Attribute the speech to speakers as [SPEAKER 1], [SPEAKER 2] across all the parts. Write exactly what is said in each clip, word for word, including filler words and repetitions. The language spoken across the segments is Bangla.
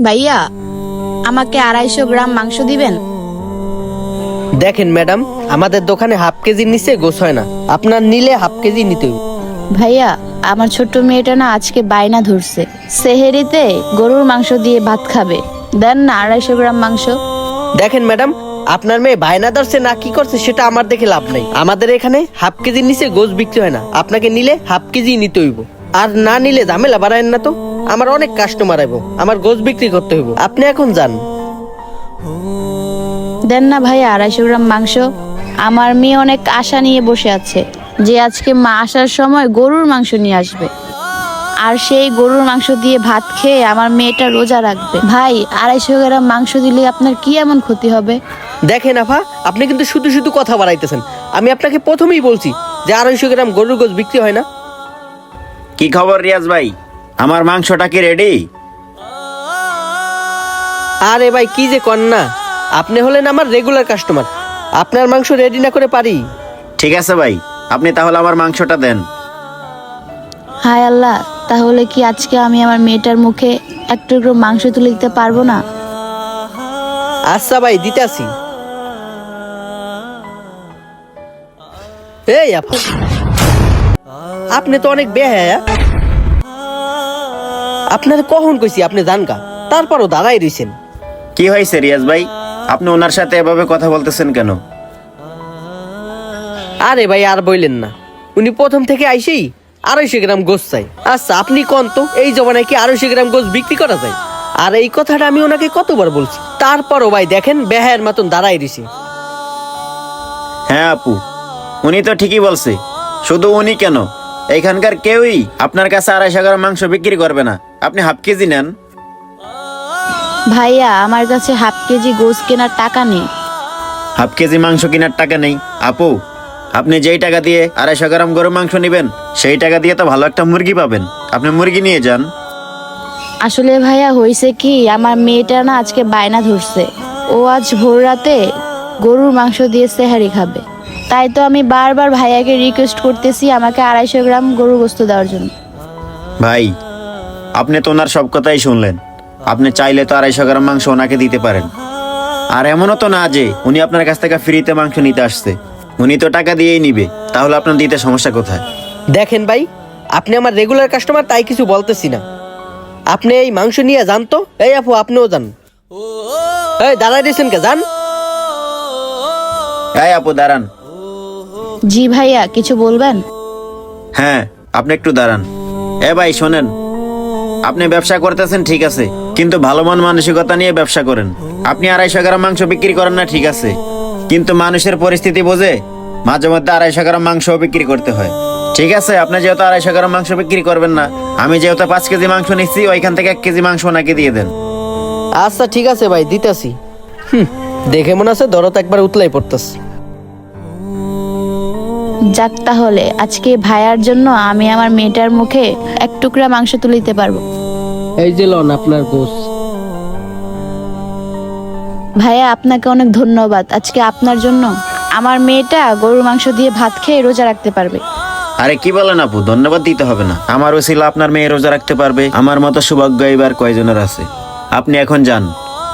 [SPEAKER 1] ভাইয়া, আমাকে আড়াইশো গ্রাম মাংস দিবেন?
[SPEAKER 2] দেখেন ম্যাডাম, আমাদের দোকানে হাফ কেজির নিচে গোস হয় না। আপনার নিলে হাফ কেজি নিতে হবে।
[SPEAKER 1] ভাইয়া, আমার ছোট্ট মেয়েটা না আজকে বায়না ধরছে, সেহেরিতে গরুর মাংস দিয়ে ভাত খাবে। দেন না আড়াইশো গ্রাম মাংস।
[SPEAKER 2] দেখেন ম্যাডাম, আপনার মেয়ে বায়না ধরছে না কি করছে সেটা আমার দেখে লাভ নাই। আমাদের এখানে হাফ কেজির নিচে গোস বিক্রি হয় না। আপনাকে নিলে হাফ কেজি নিতে হইব, আর না নিলে ঝামেলা বাড়ায়েন না তো। আমার অনেক কাস্টমার আইব, আমার গোস বিক্রি করতে হইব। আপনি এখন যান।
[SPEAKER 1] দেন না ভাইয়া আড়াইশো গ্রাম মাংস। আমার মেয়ে অনেক আশা নিয়ে বসে আছে যে আজকে মা আসার সময় গরুর মাংস নিয়ে আসবে, আর সেই গরুর মাংস দিয়ে ভাত খেয়ে আমার মেয়েটা রোজা রাখবে। ভাই, আড়াইশো গ্রাম মাংস দিলে আপনার কি এমন ক্ষতি হবে?
[SPEAKER 2] দেখেন আফা, আপনি কিন্তু শুধু শুধু কথা বাড়াইতেছেন। আমি আপনাকে প্রথমেই বলছি যে আড়াইশো গ্রাম গরুর গোস বিক্রি হয় না।
[SPEAKER 3] কি খবর রিয়াজ ভাই, আমার মাংসটা কি রেডি?
[SPEAKER 2] আরে ভাই, কি যে কন না, আপনি হলেন আমার রেগুলার কাস্টমার। আপনার মাংস রেডি না করে পারি?
[SPEAKER 3] ঠিক আছে ভাই, আপনি তাহলে আমার মাংসটা দেন।
[SPEAKER 1] হায় আল্লাহ, তাহলে কি আজকে আমি আমার মেয়েটার মুখে এক টুকরো মাংস তুলে দিতে পারবো না?
[SPEAKER 2] আচ্ছা ভাই, দিতে আসি। এই আপু, আপনি তো অনেক বেহায়া। আপনার কখন কইছি আপনি জান কা, তারপরও দাঁড়াই রইছেন।
[SPEAKER 3] কি হয়েছে রিয়াজ ভাই, আপনি ওনার সাথে এভাবে কথা বলতেছেন কেন?
[SPEAKER 2] আরে ভাই, আর বললেন না, উনি প্রথম থেকে আইসেই আড়াইশো গ্রাম গোস চাই। আচ্ছা আপনি কোন তো, এই জমানায় কি আড়াইশো গ্রাম গোস বিক্রি করা যায়? আর এই কথাটা আমি ওনাকে কতবার বলছি, তারপরও ভাই দেখেন বেহায়ের মতন দাঁড়াই রইছে।
[SPEAKER 3] হ্যাঁ আপু, উনি তো ঠিকই বলছে। শুধু উনি কেন, এইখানকার কেউই আপনার কাছে আড়াইশো গ্রাম মাংস বিক্রি করবে না। আপনি হাফ কেজি নেন।
[SPEAKER 1] ভাইয়া, আমার কাছে হাফ কেজি গোস কেনার টাকা নেই।
[SPEAKER 3] হাফ কেজি মাংস কেনার টাকা নেই? আপু, আপনি যেই টাকা দিয়ে আড়াইশো গ্রাম গরুর মাংস নেবেন, সেই টাকা দিয়ে তো ভালো একটা মুরগি পাবেন। আপনি মুরগি নিয়ে যান।
[SPEAKER 1] আসলে ভাইয়া হয়েছে কি, আমার মেয়েটা না আজকে বায়না ধরছে, ও আজ ভোর রাতে গরুর মাংস দিয়ে সেহারি খাবে। তাই তো আমি বারবার ভাইয়াকে রিকোয়েস্ট করতেছি আমাকে আড়াইশো গ্রাম গরুর গোস্ত দেওয়ার জন্য।
[SPEAKER 3] ভাই, আপনি তো ওনার সব কথাই শুনলেন। আপনি চাইলে তো আড়াইশো গ্রাম মাংস ওনাকে দিতে পারেন। আর এমনও তো না যে উনি আপনার কাছ থেকে ফ্রিতে মাংস নিতে আসছে, উনি তো টাকা দিয়েই নিবে। তাহলে আপনার দিতে সমস্যা কোথায়?
[SPEAKER 2] দেখেন ভাই, আপনি আমার রেগুলার কাস্টমার, তাই কিছু বলতেছি না। আপনি এই মাংস নিয়ে যান তো। এই আপু, আপনিও যান। এই দাঁড়াই দিয়েছেন কে, যান।
[SPEAKER 3] এই আপু দাঁড়ান।
[SPEAKER 1] জি ভাইয়া, কিছু বলবেন?
[SPEAKER 3] হ্যাঁ, আপনি একটু দাঁড়ান। এ ভাই শোনেন, আপনি ব্যবসা করতেছেন ঠিক আছে, কিন্তু ভালো মন মানসিকতা নিয়ে ব্যবসা করেন। আপনি আড়াইশো গ্রাম মাংস বিক্রি করেন না ঠিক আছে, কিন্তু মানুষের পরিস্থিতি বোঝে মাঝে মধ্যে আড়াইশো গ্রাম মাংস বিক্রি করতে হয়। ঠিক আছে, আপনি যেহেতু আড়াইশো গ্রাম মাংস বিক্রি করবেন না, আমি যেহেতু পাঁচ কেজি মাংস নিচ্ছি, ওইখান থেকে এক কেজি মাংস ওনাকে দিয়ে দেন।
[SPEAKER 2] আচ্ছা ঠিক আছে ভাই, দিতেছি। হুম, দেখে মনে আছে দরদ একবার উতলাই পড়তেছে।
[SPEAKER 1] যাক, তাহলে আজকে ভাইয়ার জন্য আমি আমার মেয়েটার মুখে এক টুকরা মাংস তুলে দিতে পারবো।
[SPEAKER 2] এই যে লন আপনার গোস।
[SPEAKER 1] ভাইয়া, আপনাকে অনেক ধন্যবাদ। আজকে আপনার জন্য আমার মেয়েটা গরুর মাংস দিয়ে ভাত খেয়ে রোজা রাখতে পারবে।
[SPEAKER 3] আরে কি বলেন আপু, ধন্যবাদ দিতে হবে না। আমার ওসিলা আপনার মেয়ে রোজা রাখতে পারবে, আমার মতো সৌভাগ্য এবার কয়জনের আছে। আপনি এখন যান।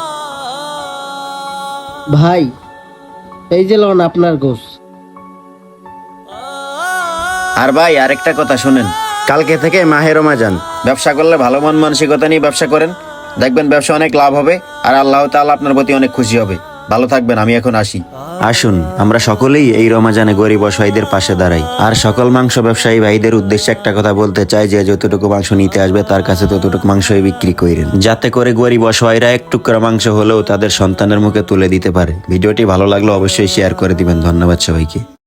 [SPEAKER 2] ভাই, এই যে লন আপনার গোস।
[SPEAKER 3] আর ভাই, আরেকটা কথা শুনেন, কালকে থেকে মাহে রমজান, ব্যবসা করলে ভালো মন মানসিকতা নিয়ে ব্যবসা করেন, দেখবেন ব্যবসা অনেক লাভ হবে, আর আল্লাহ তাআলা আপনার প্রতি অনেক খুশি হবে। ভালো থাকবেন, আমি এখন আসি। আসুন আমরা সকলেই এই রমজানে গরিব অসহায়দের পাশে দাঁড়াই। আর সকল মাংস ব্যবসায়ী ভাইদের উদ্দেশ্যে একটা কথা বলতে চাই, যে যতটুকু মাংস নিতে আসবে তার কাছে ততটুকু মাংসই বিক্রি করেন, যাতে করে গরিব অসহায়রা এক টুকরা মাংস হলেও তাদের সন্তানের মুখে তুলে দিতে পারে। ভিডিওটি ভালো লাগলে অবশ্যই শেয়ার করে দিবেন। ধন্যবাদ সবাইকে।